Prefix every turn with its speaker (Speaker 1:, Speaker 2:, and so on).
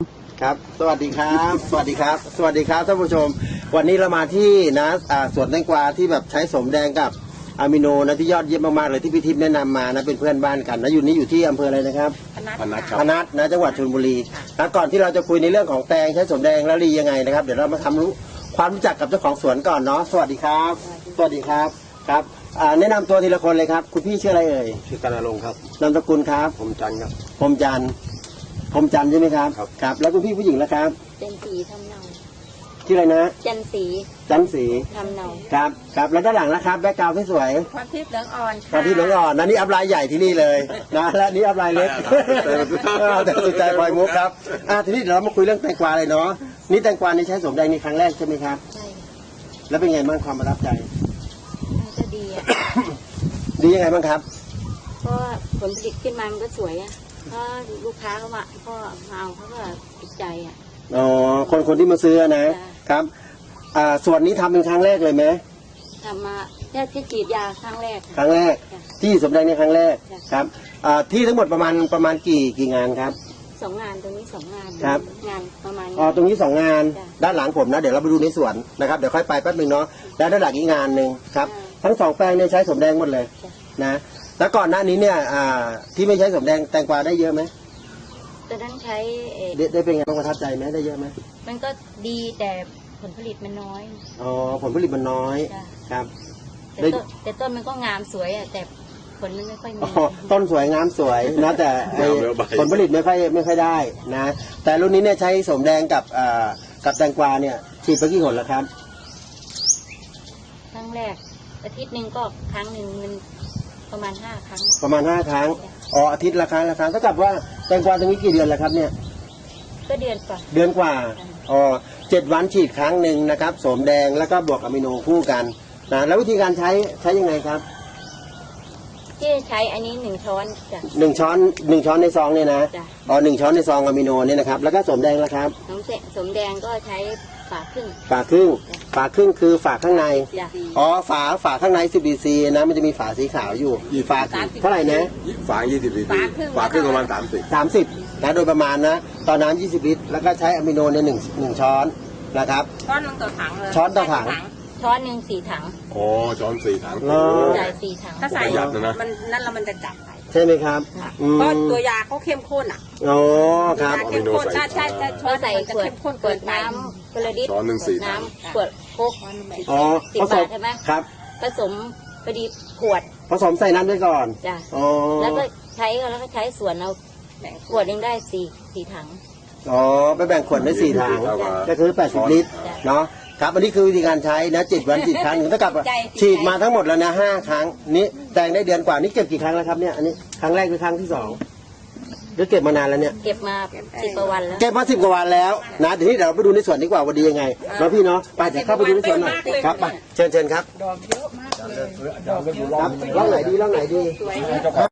Speaker 1: ครับสวัสดีครับสวัสดีครับสวัสดีครับท่านผู้ชมวันนี้เรามาที่นะสวนแตงกวาที่แบบใช้สมแดงกับอะมิโนนะที่ยอดเยี่ยมมากๆเลยที่พี่ทิพย์แนะนำมานะเป็นเพื่อนบ้านกันนะอยู่ที่อำเภออะไรนะครับ
Speaker 2: พนัสครับ
Speaker 1: พนัสนะจังหวัดชลบุรีแล้วก่อนที่เราจะคุยในเรื่องของแตงใช้สมแดงและรียังไงนะครับเดี๋ยวเรามาทำรู้ความรู้จักกับเจ้าของสวนก่อนเนาะสวัสดีครับสวัสดีครับครับแนะนำตัวทีละคนเลยครับคุณพี่ชื่ออะไรเอ่ย
Speaker 2: ชื่อกันรงค์ครับ
Speaker 1: นามสกุลครับ
Speaker 2: ผมจันทร์ครับ
Speaker 1: พรหมจันทร์พรหมจันทร์ใช่ไหมครับ
Speaker 2: ครับ
Speaker 1: ครับแล้วคุณพี่ผู้หญิงล่ะครับ
Speaker 3: จันสีทำเนา
Speaker 1: ชื่ออะไรนะ
Speaker 3: จันสี
Speaker 1: จันทร์ศรี
Speaker 3: ทำเนา
Speaker 1: ครับครับแล้วด้านหลังนะครับแบ็คกราวด์สวย
Speaker 3: ความทิพย์เหลืองอ่อน
Speaker 1: ๆตอนที่เหลืองอ่อนนะนี่อัพไลน์ใหญ่ที่นี่เลยนะและนี่อัพไลน์เล็กแต่สุดใจปล่อยมุกครับทีนี้เดี๋ยวเรามาคุยเรื่องแตงกวาเลยเนาะนี่แตงกวานี่ใช้สมแดงในครั้งแรกใช่ไหมครับ
Speaker 3: ใช่
Speaker 1: แล้วเป็นไงบ้างความประทับใจ
Speaker 3: มันก็ดีอ่ะ
Speaker 1: ดียังไงบ้างครับ
Speaker 3: เพราะว่าผลผลิตขึ้นมามันก็สวยอ่ะเพราะลูกค้าเขามาก็มาเอาเขาก็ติดใจอ่ะ
Speaker 1: อ๋อคนที่มาซื้อนะ
Speaker 3: จ้ะ
Speaker 1: ครับส่วนนี้ทำเป็นครั้งแรกเลยไหม
Speaker 3: ทำมาแค่ที่กรีดยาครั้งแรก
Speaker 1: ครั้งแรก
Speaker 3: จ้ะ
Speaker 1: ที่สมแดงในครั้งแรก
Speaker 3: จ้ะ
Speaker 1: ครับที่ทั้งหมดประมาณกี่งานครับ
Speaker 3: สองงานตรงนี้สองงาน
Speaker 1: ครับ
Speaker 3: งานประมาณ
Speaker 1: ตรงนี้2 งาน
Speaker 3: จ้ะ
Speaker 1: ด้านหลังผมนะเดี๋ยวเราไปดูในสวนนะครับเดี๋ยวค่อยไปแป๊บนึงเนาะแล้วด้านหลังอีกงานหนึ่งครับ
Speaker 3: จ้ะ
Speaker 1: ทั้ง2 แปลงเนี่ยใช้สมแดงหมดเลย
Speaker 3: จ้ะ
Speaker 1: นะแล้วก่อนหน้านี้เนี่ยที่ไม่ใช้สมแดงแตงกวาได้เยอะไหม
Speaker 3: ตอนนั้นใช้
Speaker 1: ได้เป็นไงบ้างประทับใจไหมได้เยอะไหม
Speaker 3: มันก็ดีแต่ผลผลิตมันน้อย
Speaker 1: อ๋อผลผลิตมันน้อย
Speaker 3: จ้ะ
Speaker 1: ครับ
Speaker 3: แต่ต้นมันก็งามสวยอ่ะแต่ผลมันไม่ค่อยมี
Speaker 1: อ๋อต้นสวยงามสวยนะแต่ไอ้
Speaker 2: งามแล้วใบ
Speaker 1: ผลผลิตไม่ค่อยได้นะแต่รุ่นนี้เนี่ยใช้สมแดงกับแตงกวาเนี่ยฉีดไปกี่หนแล้วครับ
Speaker 3: ครั้งแรกอาทิตย์หนึ่งก็ครั้งหนึ่งมันประมาณ5 ครั้ง
Speaker 1: ประมาณ5 ครั้งอาทิตย์ละครั้งเท่ากับว่าแตงกวาตรงนี้กี่เดือนแล้วครับเนี่ย
Speaker 3: ก็เดือนกว่า
Speaker 1: เดือนกว่า7 วันฉีดครั้งหนึ่งนะครับโสมแดงแล้วก็บวกอะมิโนคู่กันนะแล้ววิธีการใช้ยังไงครับ
Speaker 3: ที่ใช้อันนี้1 ช้อนจ้ะ
Speaker 1: 1 ช้อนในซองเนี่ยนะ
Speaker 3: จ้ะ
Speaker 1: 1 ช้อนในซองอะมิโนเนี่ยนะครับแล้วก็โสมแดงแล้วครับ
Speaker 3: สมแดงก็ใช้ฝาครึ่ง
Speaker 1: ฝาครึ่งคือฝาข้างใน
Speaker 3: จ้ะ
Speaker 1: ฝาข้างใน10 cc นะมันจะมีฝาสีขาวอยู่ฝาเท่าไหร่นะ
Speaker 2: ฝาง20 ลิตรฝางครึ่งประมาณ30
Speaker 1: 30นะโดยประมาณนะตอนน้ำ20 ลิตรแล้วก็ใช้อะมิโนเนี่ยหนึ่งช้อนนะครับ
Speaker 4: ช้อนหนึ่งต่อถังเลย
Speaker 1: ช้อนต่อถัง
Speaker 3: ช้อนหนึ่ง4 ถัง
Speaker 2: โอ้ช้อน4 ถัง
Speaker 1: เหรอ
Speaker 3: ใส่4 ถัง
Speaker 4: ถ้าใส่
Speaker 2: ประหยัดนะ
Speaker 4: มันนั่นแล้วมันจะจับไป
Speaker 1: ใช่ไหมครับ
Speaker 3: ค่ะ
Speaker 1: อืม
Speaker 4: เพราะตัวยาเขาเข้มข้นอ่ะ
Speaker 1: อ๋อครับ
Speaker 4: ยาเข้มข้นใช่ช้
Speaker 3: ก็
Speaker 4: อน
Speaker 3: ใส่
Speaker 4: มันจะ
Speaker 3: ขวด
Speaker 4: เข้มข้น
Speaker 3: ข
Speaker 4: เกิ
Speaker 3: วด
Speaker 4: นไป
Speaker 3: น้ำกระดิษ
Speaker 2: ช้อนหนึ่ง4 ถัง
Speaker 3: น้ำขวดโคก
Speaker 1: อ๋อ
Speaker 3: 10
Speaker 1: ผส
Speaker 3: บาม ทใช่ไหม
Speaker 1: ครับ
Speaker 3: ผสมพอดีขวด
Speaker 1: ผสมใส่น้ำด้วยก่อน
Speaker 3: จ้ะ
Speaker 1: อ๋อ
Speaker 3: แล้วก็ใช้ส่วนเอาขวดหนึงได้4 ถัง
Speaker 1: อ๋อไปแบ่งขวดได้4 ถัง
Speaker 2: เท่ากับ
Speaker 1: ก็คือ80 ลิตร
Speaker 3: จ้ะ
Speaker 1: เนาะครับอันนี้คือวิธีการใช้นะ7 วันฉีดครั้งหนึ่งเท่ากับฉีดมาทั้งหมดแล้วนะ5 ครั้งนี้แตงได้เดือนกว่านี่เก็บกี่ครั้งแล้วครับเนี่ยอันนี้ครั้งแรกหรือครั้งที่2หรือเก็บมานานแล้วเนี่ย
Speaker 3: เก็บมา10 กว่าวันแล้ว
Speaker 1: เก็บมา10 กว่าวันแล้วนะเดี๋ยวนี้เดี๋ยวเราไปดูในสวนดีกว่าว่าดียังไงเนาะพี่เนาะไปเดี๋ยวเข้าไปดูในสวนหน่อยครับไปเชิญครับ
Speaker 4: ดอกเยอะมากเลย
Speaker 1: ครับร่องไหนดีร่องไหนดี
Speaker 3: สวย
Speaker 1: ครับ